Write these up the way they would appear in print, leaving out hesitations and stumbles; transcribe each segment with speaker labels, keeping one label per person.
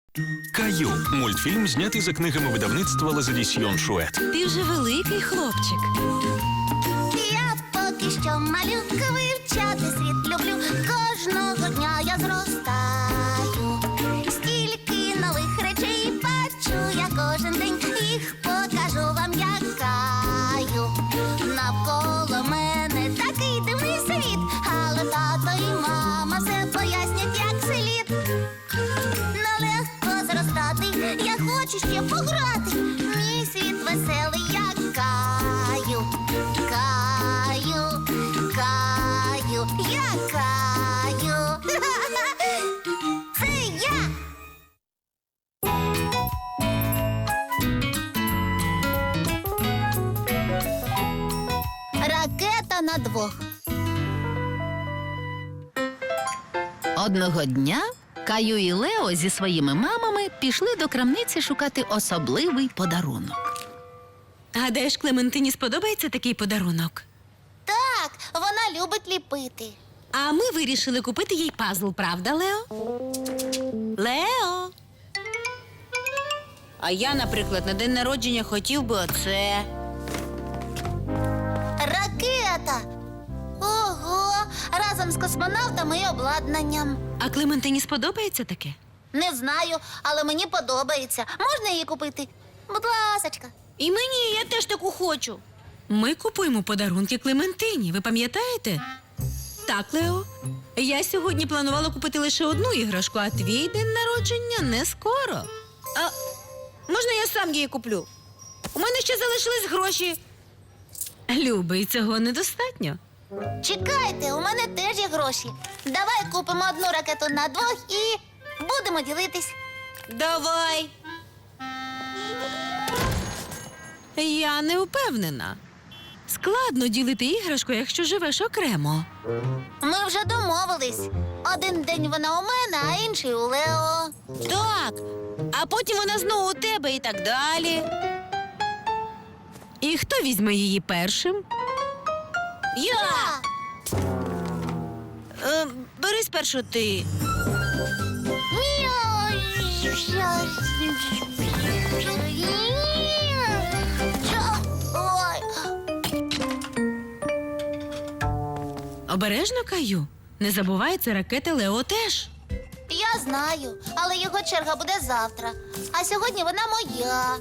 Speaker 1: Каю – мультфільм, знятий за книгами видавництва «Лазадісьйон Шует».
Speaker 2: Ти вже великий хлопчик.
Speaker 3: Я поки що малюка, вивчати світ люблю. Кожного дня я зростаю. Стільки нових речей бачу я кожен день. Їх покажу вам, як Каю. Навколо мене такий дивний світ, але тато і мама все пояснять, як слід. Нелегко зростати, я хочу ще пограти. Мій світ веселий, як Каю. Каю, Каю, я Каю. Це я. Ракета на двох.
Speaker 2: Одного дня Каю і Лео зі своїми мамами пішли до крамниці шукати особливий подарунок. Гадаєш, Клементині сподобається такий подарунок?
Speaker 3: Так, вона любить ліпити.
Speaker 2: А ми вирішили купити їй пазл, правда, Лео? Лео! А я, наприклад, на день народження хотів би оце.
Speaker 3: Ракета. Ого, разом з космонавтами і обладнанням.
Speaker 2: А Клементині сподобається таке?
Speaker 3: Не знаю, але мені подобається. Можна її купити? Будь ласочка.
Speaker 2: І мені, я теж таку хочу. Ми купуємо подарунки Клементині, ви пам'ятаєте? Так, Лео. Я сьогодні планувала купити лише одну іграшку, а твій день народження не скоро. А можна я сам її куплю? У мене ще залишились гроші. Любий, цього недостатньо.
Speaker 3: Чекайте, у мене теж є гроші. Давай купимо одну ракету на двох і будемо ділитись.
Speaker 2: Давай. Я не впевнена. Складно ділити іграшку, якщо живеш окремо.
Speaker 3: Ми вже домовились. Один день вона у мене, а інший у Лео.
Speaker 2: Так, а потім вона знову у тебе і так далі. І хто візьме її першим? Я! Бери спершу ти.
Speaker 3: Ой.
Speaker 2: Обережно, Каю. Не забувай, це ракета Лео теж.
Speaker 3: Я знаю, але його черга буде завтра. А сьогодні вона моя.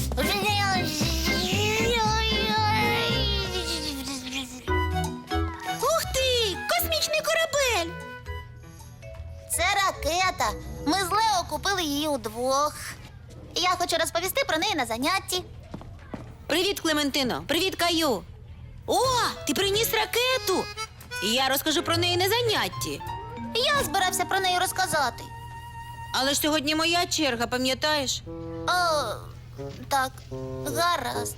Speaker 2: Ух ти! Космічний корабель!
Speaker 3: Це ракета. Ми з Лео купили її удвох. Я хочу розповісти про неї на занятті.
Speaker 2: Привіт, Клементино! Привіт, Каю! О, ти приніс ракету! Я розкажу про неї на занятті.
Speaker 3: Я збирався про неї розказати.
Speaker 2: Але ж сьогодні моя черга, пам'ятаєш?
Speaker 3: О, так, гаразд.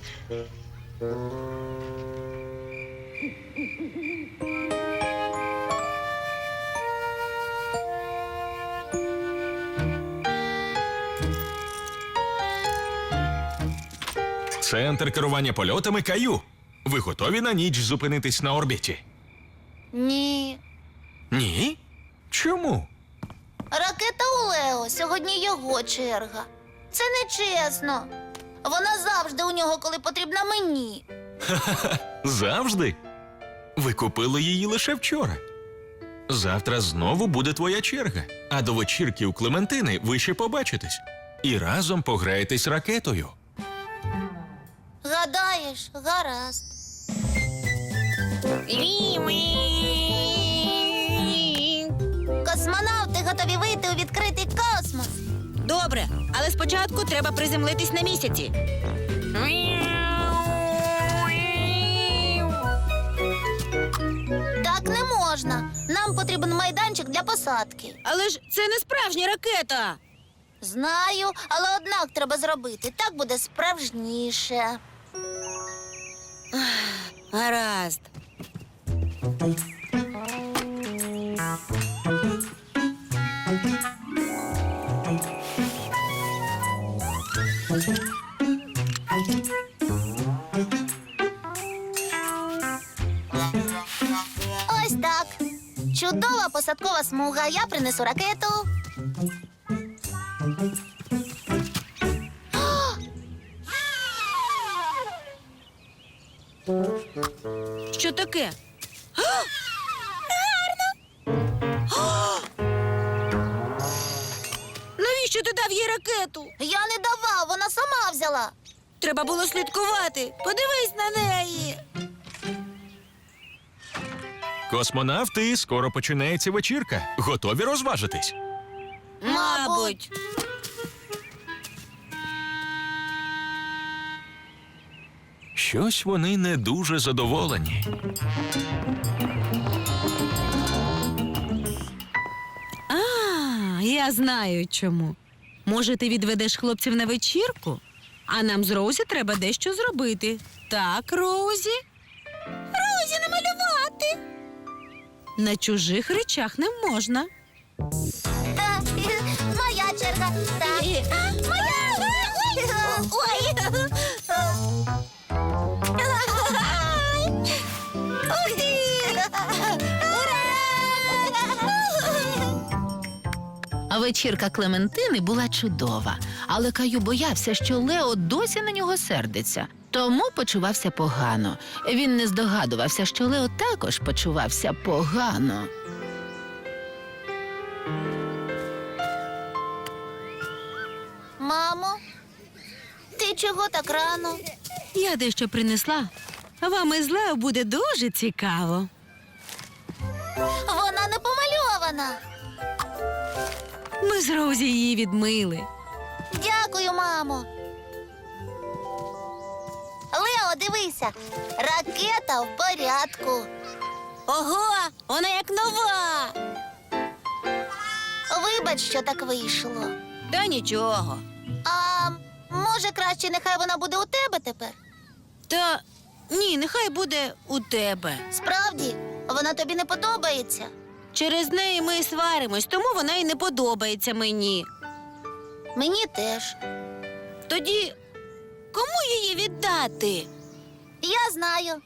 Speaker 1: Центр керування польотами Каю. Ви готові на ніч зупинитись на орбіті?
Speaker 3: Ні.
Speaker 1: Ні? Чому?
Speaker 3: Ракета у Лео. Сьогодні його черга. Це нечесно. Вона завжди у нього, коли потрібна мені.
Speaker 1: Завжди? Ви купили її лише вчора. Завтра знову буде твоя черга, а до вечірки у Клементини ви ще побачитесь. І разом пограєтесь ракетою.
Speaker 3: Гадаєш, гаразд. Космонавти готові вийти у відкритий космос.
Speaker 2: Добре, але спочатку треба приземлитись на місяці.
Speaker 3: Так не можна. Нам потрібен майданчик для посадки.
Speaker 2: Але ж це не справжня ракета.
Speaker 3: Знаю, але однак треба зробити. Так буде справжніше.
Speaker 2: Гаразд.
Speaker 3: Ось так. Чудова посадкова смуга. Я принесу ракету.
Speaker 2: Що таке? Навіщо ти дав їй ракету?
Speaker 3: Я не давав, вона сама взяла.
Speaker 2: Треба було слідкувати. Подивись на неї.
Speaker 1: Космонавти, скоро починається вечірка. Готові розважитись?
Speaker 2: Мабуть.
Speaker 1: Щось вони не дуже задоволені.
Speaker 2: Я знаю чому. Може, ти відведеш хлопців на вечірку? А нам з Роузі треба дещо зробити. Так, Роузі? Роузі намалювати. На чужих речах не можна.
Speaker 3: Та, моя черга. Так. Моя. Ой. Ух ти! Ура!
Speaker 4: А вечірка Клементини була чудова, але Каю боявся, що Лео досі на нього сердиться, тому почувався погано. Він не здогадувався, що Лео також почувався погано.
Speaker 3: Мамо, ти чого так рано?
Speaker 2: Я дещо принесла. Вам із Лео буде дуже цікаво.
Speaker 3: Вона не помальована.
Speaker 2: Ми з Роузі її відмили.
Speaker 3: Дякую, мамо. Лео, дивися. Ракета в порядку.
Speaker 2: Ого, вона як нова.
Speaker 3: Вибач, що так вийшло.
Speaker 2: Та нічого.
Speaker 3: А може, краще нехай вона буде у тебе тепер?
Speaker 2: Та ні, нехай буде у тебе.
Speaker 3: Справді, вона тобі не подобається.
Speaker 2: Через неї ми й сваримось, тому вона й не подобається мені.
Speaker 3: Мені теж.
Speaker 2: Тоді кому її віддати?
Speaker 3: Я знаю.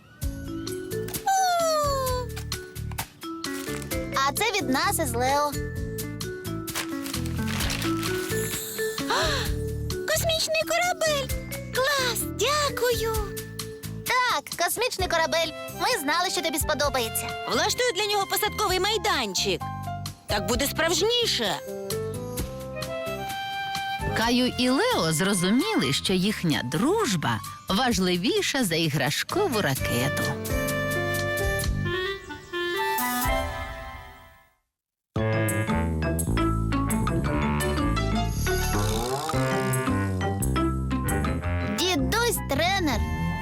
Speaker 3: А це від нас із Лео.
Speaker 2: Космічний корабель. Клас, дякую.
Speaker 3: Так, космічний корабель. Ми знали, що тобі сподобається.
Speaker 2: Влаштую для нього посадковий майданчик. Так буде справжніше.
Speaker 4: Каю і Лео зрозуміли, що їхня дружба важливіша за іграшкову ракету.
Speaker 3: Дідусь тренер.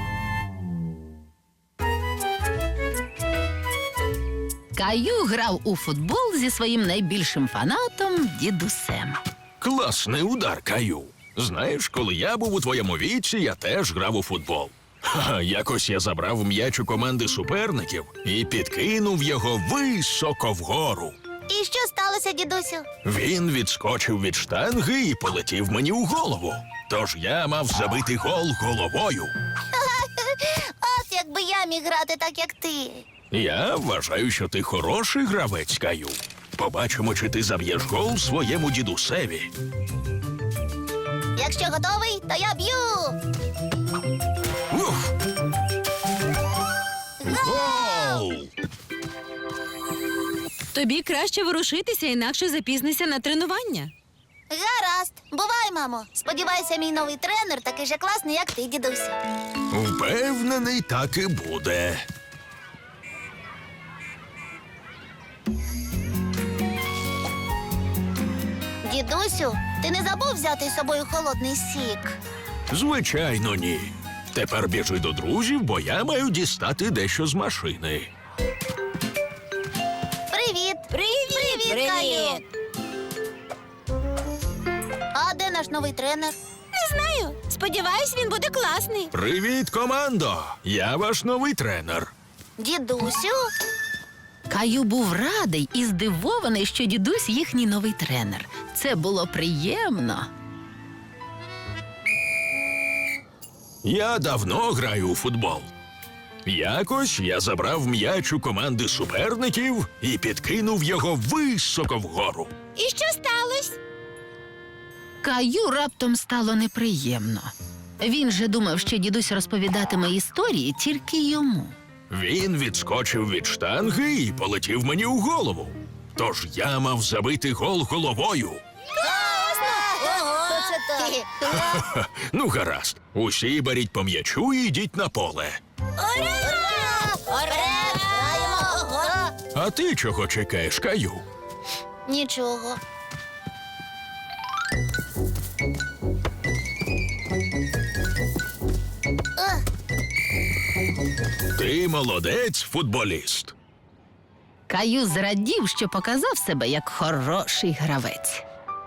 Speaker 4: Каю грав у футбол зі своїм найбільшим фанатом дідусем.
Speaker 1: Класний удар, Каю. Знаєш, коли я був у твоєму віці, я теж грав у футбол. Якось я забрав м'яч у команди суперників і підкинув його високо вгору.
Speaker 3: І що сталося, дідусю?
Speaker 1: Він відскочив від штанги і полетів мені у голову. Тож я мав забити гол головою.
Speaker 3: От якби я міг грати так, як ти.
Speaker 1: Я вважаю, що ти хороший гравець, Каю. Побачимо, чи ти заб'єш гол своєму дідусеві.
Speaker 3: Якщо готовий, то я б'ю.
Speaker 1: Ух! Гол!
Speaker 2: Тобі краще ворушитися, інакше запізнися на тренування.
Speaker 3: Гаразд. Бувай, мамо. Сподіваюся, мій новий тренер такий же класний, як ти, дідусю.
Speaker 1: Впевнений, так і буде.
Speaker 3: Дідусю, ти не забув взяти з собою холодний сік?
Speaker 1: Звичайно, ні. Тепер біжи до друзів, бо я маю дістати дещо з машини.
Speaker 3: Привіт. Привіт, Каю. А де наш новий тренер?
Speaker 2: Не знаю. Сподіваюсь, він буде класний.
Speaker 1: Привіт, командо! Я ваш новий тренер.
Speaker 3: Дідусю?
Speaker 4: Каю був радий і здивований, що дідусь їхній новий тренер. Це було приємно.
Speaker 1: Я давно граю у футбол. Якось я забрав м'яч у команди суперників і підкинув його високо вгору.
Speaker 2: І що сталося?
Speaker 4: Каю раптом стало неприємно. Він же думав, що дідусь розповідатиме історії тільки йому.
Speaker 1: Він відскочив від штанги і полетів мені у голову. Тож я мав забити гол головою.
Speaker 3: Ого, це так.
Speaker 1: Ну, гаразд. Усі беріть по м'ячу і йдіть на поле.
Speaker 3: Ура! Граємо!
Speaker 1: А ти чого чекаєш, Каю?
Speaker 3: Нічого.
Speaker 1: Ти молодець, футболіст.
Speaker 4: Каю зрадів, що показав себе як хороший гравець.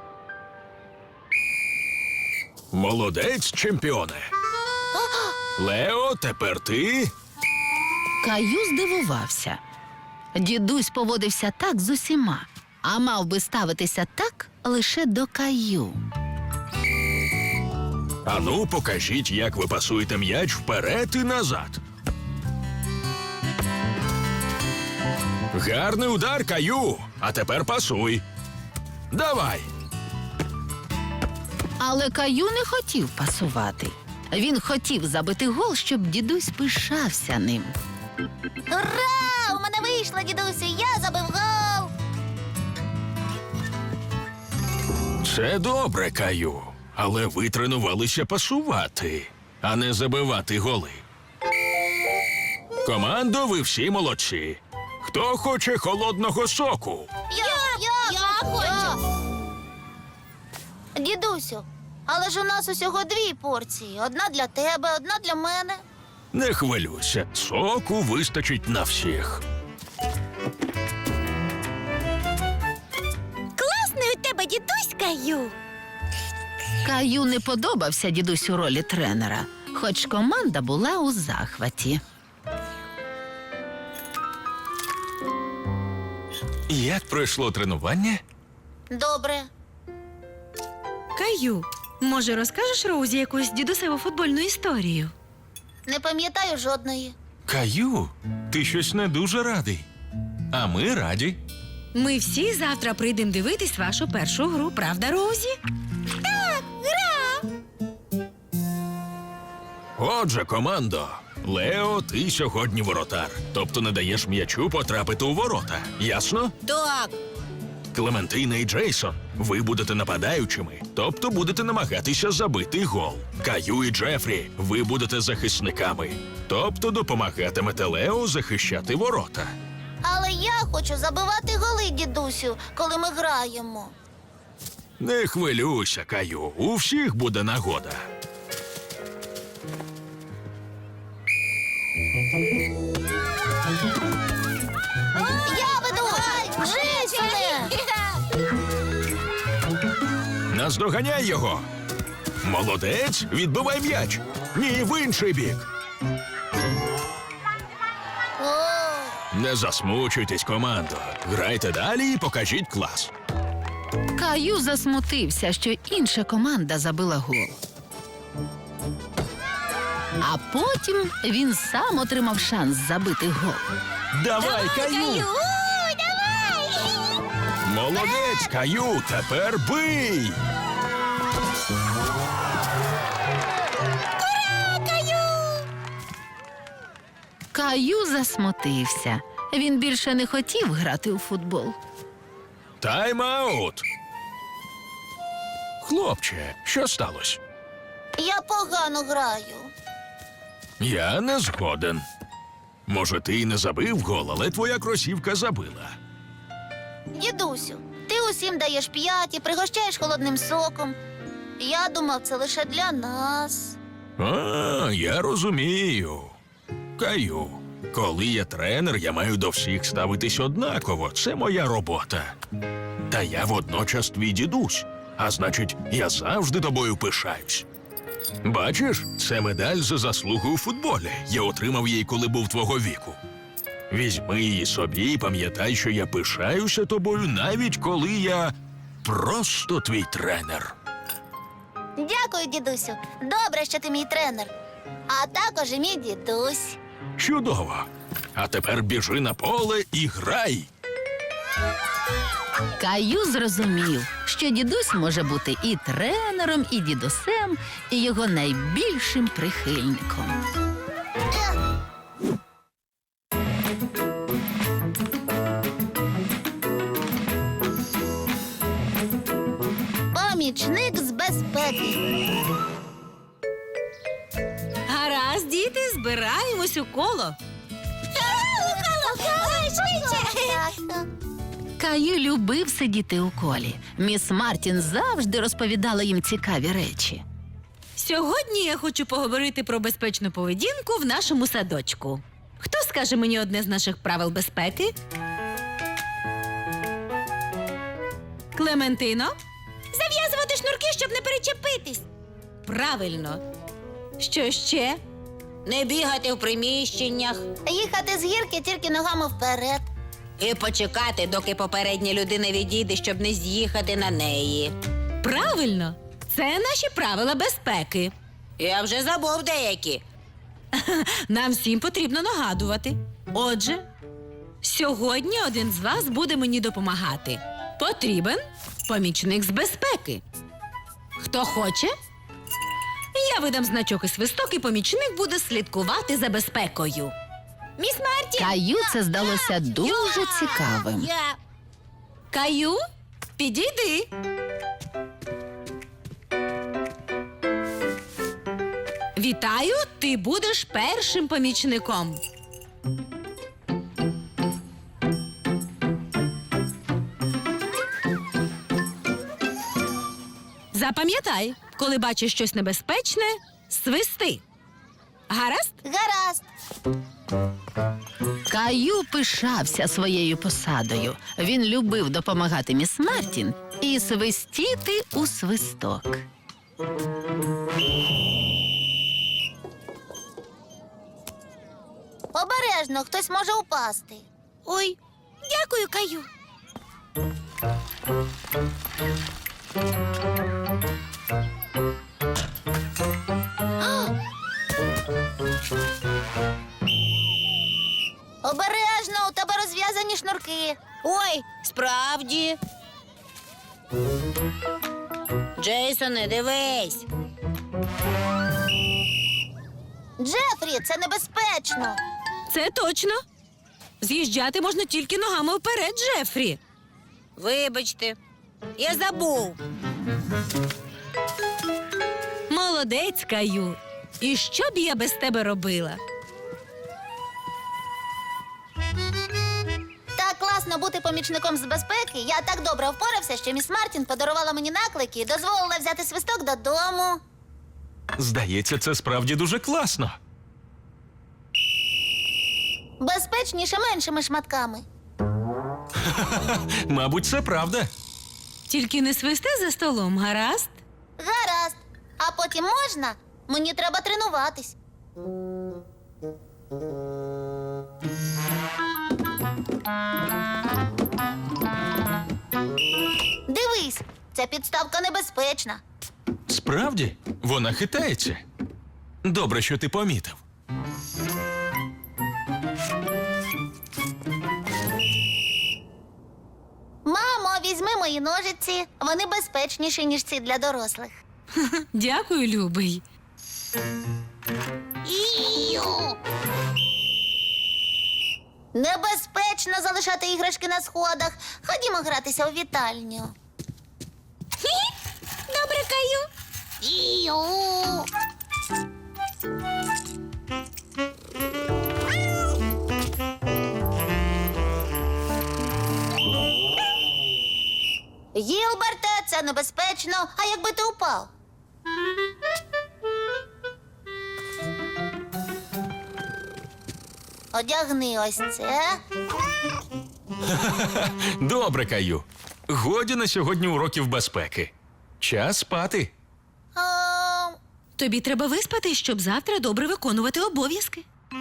Speaker 1: Молодець, чемпіоне. Лео, тепер ти.
Speaker 4: Каю здивувався. Дідусь поводився так з усіма, а мав би ставитися так лише до Каю.
Speaker 1: Ану, покажіть, як ви пасуєте м'яч вперед і назад. Гарний удар, Каю. А тепер пасуй. Давай.
Speaker 4: Але Каю не хотів пасувати. Він хотів забити гол, щоб дідусь пишався ним.
Speaker 3: Ура! У мене вийшло, дідусю, я забив гол!
Speaker 1: Це добре, Каю. Але ви тренувалися пасувати, а не забивати голи. Командо, ви всі молодці. Хто хоче холодного соку?
Speaker 3: Я хочу! Дідусю, але ж у нас усього 2 порції. Одна для тебе, одна для мене.
Speaker 1: Не хвилюйся, соку вистачить на всіх.
Speaker 3: Класний у тебе дідусь, Каю.
Speaker 4: Каю не подобався дідусь у ролі тренера, хоч команда була у захваті.
Speaker 1: Як пройшло тренування?
Speaker 3: Добре.
Speaker 2: Каю, може, розкажеш Роузі якусь дідусеву футбольну історію?
Speaker 3: Не пам'ятаю жодної.
Speaker 1: Каю, ти щось не дуже радий. А ми раді.
Speaker 2: Ми всі завтра прийдемо дивитись вашу першу гру, правда, Роузі?
Speaker 1: Отже, командо, Лео, ти сьогодні воротар. Тобто не даєш м'ячу потрапити у ворота. Ясно?
Speaker 3: Так.
Speaker 1: Клементина і Джейсон, ви будете нападаючими, тобто будете намагатися забити гол. Каю і Джефрі, ви будете захисниками, тобто допомагатимете Лео захищати ворота.
Speaker 3: Але я хочу забивати голи, дідусю, коли ми граємо.
Speaker 1: Не хвилюйся, Каю, у всіх буде нагода.
Speaker 3: Я веду! Джейсоне!
Speaker 1: Наздоганяй його. Молодець, відбивай м'яч. Ні, в інший бік.
Speaker 3: О,
Speaker 1: Не засмучуйтесь, командо. Грайте далі і покажіть клас.
Speaker 4: Каю засмутився, що інша команда забила гол. А потім він сам отримав шанс забити гол.
Speaker 1: Давай, Каю!
Speaker 3: давай!
Speaker 1: Молодець, Каю, тепер бий!
Speaker 4: Каю засмутився. Він більше не хотів грати у футбол.
Speaker 1: Тайм-аут! Хлопче, що сталося?
Speaker 3: Я погано граю.
Speaker 1: Я не згоден. Може, ти й не забив гол, але твоя кросівка забила.
Speaker 3: Дідусю, ти усім даєш 5 і пригощаєш холодним соком. Я думав, це лише для нас.
Speaker 1: А, я розумію. Каю, коли я тренер, я маю до всіх ставитись однаково. Це моя робота. Та я водночас твій дідусь, а значить, я завжди тобою пишаюсь. Бачиш, це медаль за заслуги у футболі. Я отримав її, коли був твого віку. Візьми її собі і пам'ятай, що я пишаюся тобою, навіть коли я просто твій тренер.
Speaker 3: Дякую, дідусю. Добре, що ти мій тренер. А також і мій дідусь.
Speaker 1: Чудово. А тепер біжи на поле і грай.
Speaker 4: Каю зрозумів, що дідусь може бути і тренером, і дідусем, і його найбільшим прихильником.
Speaker 3: Помічник з безпеки.
Speaker 2: Гаразд, діти, збираємось у коло.
Speaker 4: Каю любив сидіти у колі. Міс Мартін завжди розповідала їм цікаві речі.
Speaker 2: Сьогодні я хочу поговорити про безпечну поведінку в нашому садочку. Хто скаже мені одне з наших правил безпеки? Клементино? Зав'язувати шнурки, щоб не перечепитись. Правильно. Що ще? Не бігати в приміщеннях.
Speaker 3: Їхати з гірки тільки ногами вперед.
Speaker 2: І почекати, доки попередня людина відійде, щоб не з'їхати на неї. Правильно. Це наші правила безпеки. Я вже забув деякі. Нам всім потрібно нагадувати. Отже, сьогодні один з вас буде мені допомагати. Потрібен помічник з безпеки. Хто хоче? Я видам значок і свисток, і помічник буде слідкувати за безпекою. Міс Мартін!
Speaker 4: Каю це здалося дуже цікавим.
Speaker 2: Каю, підійди. Вітаю, ти будеш першим помічником. Запам'ятай, коли бачиш щось небезпечне, свисти. Гаразд?
Speaker 3: Гаразд.
Speaker 4: Каю пишався своєю посадою. Він любив допомагати міс Мартін і свистіти у свисток.
Speaker 3: Обережно, хтось може упасти.
Speaker 2: Ой, дякую, Каю.
Speaker 3: Обережно, у тебе розв'язані шнурки.
Speaker 2: Ой, справді. Джейсоне, дивись.
Speaker 3: Джефрі, це небезпечно.
Speaker 2: Це точно. З'їжджати можна тільки ногами вперед, Джефрі. Вибачте, я забув. Молодець, Каю. І що б я без тебе робила?
Speaker 3: Так класно бути помічником з безпеки. Я так добре впорався, що міс Мартін подарувала мені наклики і дозволила взяти свисток додому.
Speaker 1: Здається, це справді дуже класно.
Speaker 3: Безпечніше меншими шматками.
Speaker 1: Мабуть, це правда.
Speaker 2: Тільки не свисти за столом, гаразд?
Speaker 3: Гаразд. А потім можна? Мені треба тренуватись. Дивись, ця підставка небезпечна.
Speaker 1: Справді, вона хитається. Добре, що ти помітив.
Speaker 3: Мамо, візьми мої ножиці. Вони безпечніші, ніж ці для дорослих.
Speaker 2: Дякую, любий.
Speaker 3: Небезпечно залишати іграшки на сходах. Ходімо гратися у вітальню.
Speaker 2: Добре, Каю.
Speaker 3: Гілберте, це небезпечно. А якби ти упав? Одягни ось це.
Speaker 1: Добре, Каю. Годі на сьогодні уроків безпеки. Час спати.
Speaker 3: А,
Speaker 2: Тобі треба виспати, щоб завтра добре виконувати обов'язки.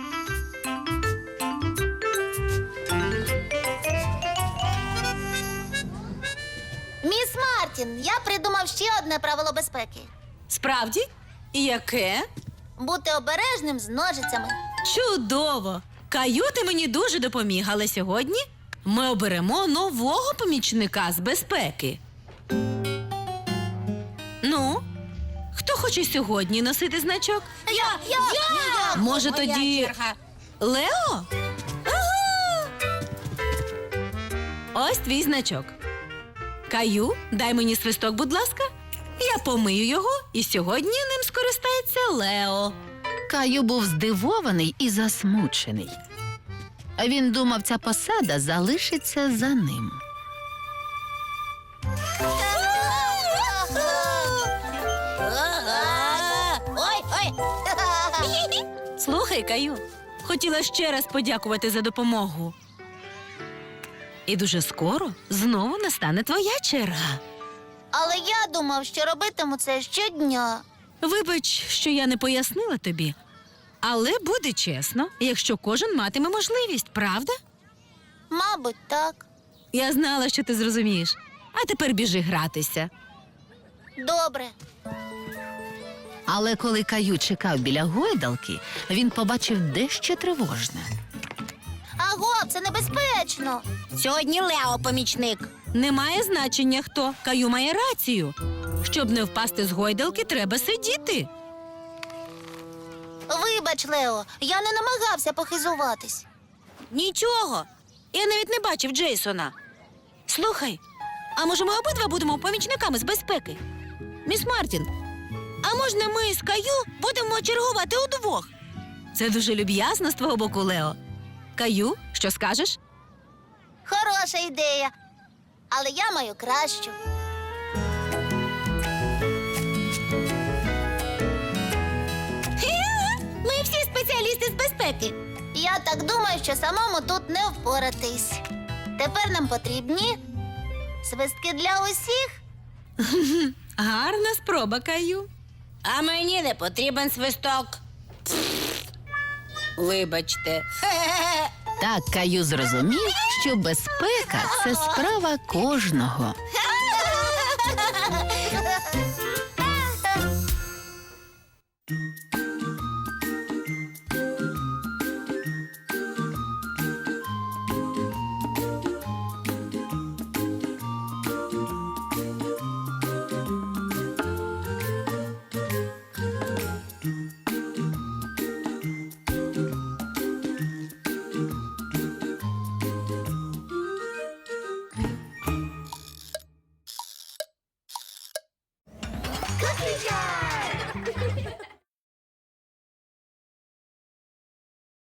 Speaker 3: Міс Мартін, я придумав ще одне правило безпеки.
Speaker 2: Справді? І яке?
Speaker 3: Бути обережним з ножицями.
Speaker 2: Чудово! Каю, ти мені дуже допоміг, але сьогодні Ми оберемо нового помічника з безпеки. Ну, хто хоче сьогодні носити значок?
Speaker 3: Я!
Speaker 2: Може,
Speaker 3: Моя
Speaker 2: тоді
Speaker 3: черга.
Speaker 2: Лео? Ага! Ось твій значок. Каю, дай мені свисток, будь ласка. Я помию його, і сьогодні ним скористається Лео.
Speaker 4: Каю був здивований і засмучений. Він думав, ця посада залишиться за ним.
Speaker 3: Ой!
Speaker 2: Слухай, Каю, хотіла ще раз подякувати за допомогу. І дуже скоро знову настане твоя черга.
Speaker 3: Але я думав, що робитиму це щодня.
Speaker 2: Вибач, що я не пояснила тобі. Але буде чесно, якщо кожен матиме можливість, правда?
Speaker 3: Мабуть, так.
Speaker 2: Я знала, що ти зрозумієш. А тепер біжи гратися.
Speaker 3: Добре.
Speaker 4: Але коли Каю чекав біля гойдалки, він побачив дещо тривожне.
Speaker 3: Аго, це небезпечно. Сьогодні Лео помічник.
Speaker 2: Немає значення хто. Каю має рацію. Щоб не впасти з гойдалки, треба сидіти.
Speaker 3: Вибач, Лео, я не намагався похизуватись.
Speaker 2: Нічого. Я навіть не бачив Джейсона. Слухай, а може ми обидва будемо помічниками з безпеки? Міс Мартін, а можна ми з Каю будемо чергувати удвох? Це дуже люб'язно з твого боку, Лео. Каю, що скажеш?
Speaker 3: Хороша ідея. Але я маю кращу.
Speaker 2: Ми всі спеціалісти з безпеки.
Speaker 3: Я так думаю, що самому тут не впоратись. Тепер нам потрібні свистки для усіх.
Speaker 2: Гарна спроба, Каю.
Speaker 3: А мені не потрібен свисток.
Speaker 2: Вибачте.
Speaker 4: Так Каю зрозумів, що безпека – це справа кожного.